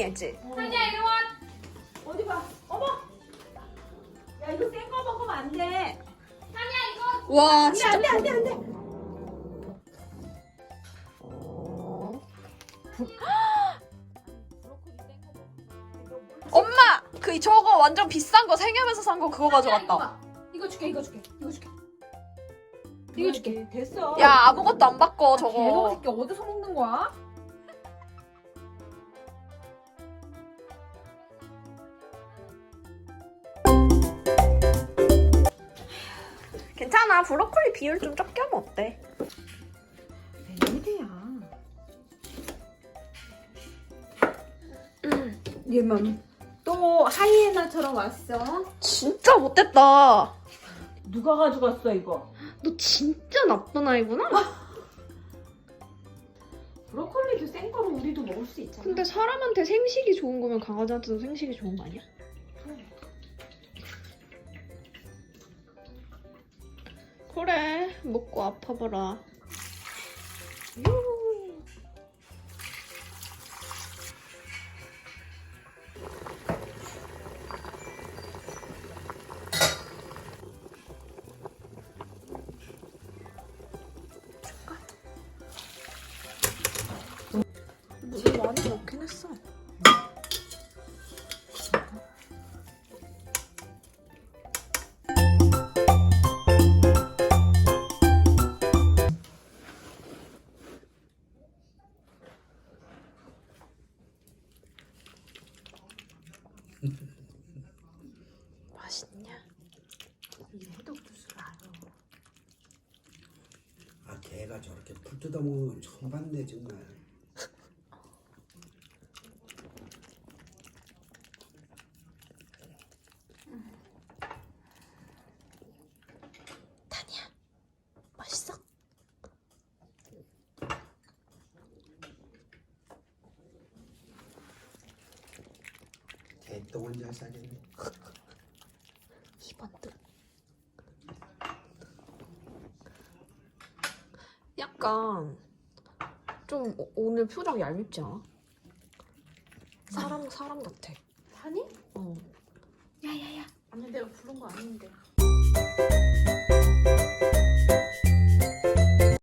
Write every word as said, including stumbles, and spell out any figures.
했지? 한이야 이리 와. 어디 봐. 어머. 야 이거 센 거 먹으면 안 돼. 한이야 이거. 와 안돼 진짜 안돼 안돼 안돼. 엄마! 그 저거 완전 비싼 거 생협에서 산 거 그거 가져갔다. 이거 줄게 이거 줄게 이거 줄게. 이거 줄게. 됐어. 야 아무것도 안 바꿔 개놈 저거. 새끼 어디서 먹는 거야? 괜찮아 브로콜리 비율 좀 적게 하면 어때? 웬일이야. 얘만 또 하이에나처럼 왔어. 진짜 못됐다. 누가 가져갔어 이거? 너 진짜 나쁜 아이구나? 브로콜리도 센 거로 우리도 먹을 수 있잖아. 근데 사람한테 생식이 좋은 거면 강아지한테도 생식이 좋은 거 아니야? 그래 먹고 아파봐라. 유. 물을 많이 넣긴 했어. 맛있냐? 이 해독주스 알아. 아 걔가 저렇게 풀 뜯어먹는 건 처음 봤네 정말. 타니야 맛있어? 개똥을 잘 싸겠네. 이번 듯. 약간 좀 오- 오늘 표정 얄밉지 않아? 사람 사람 같아. 한이? 어. 야야야. 아니 내가 부른 거 아닌데.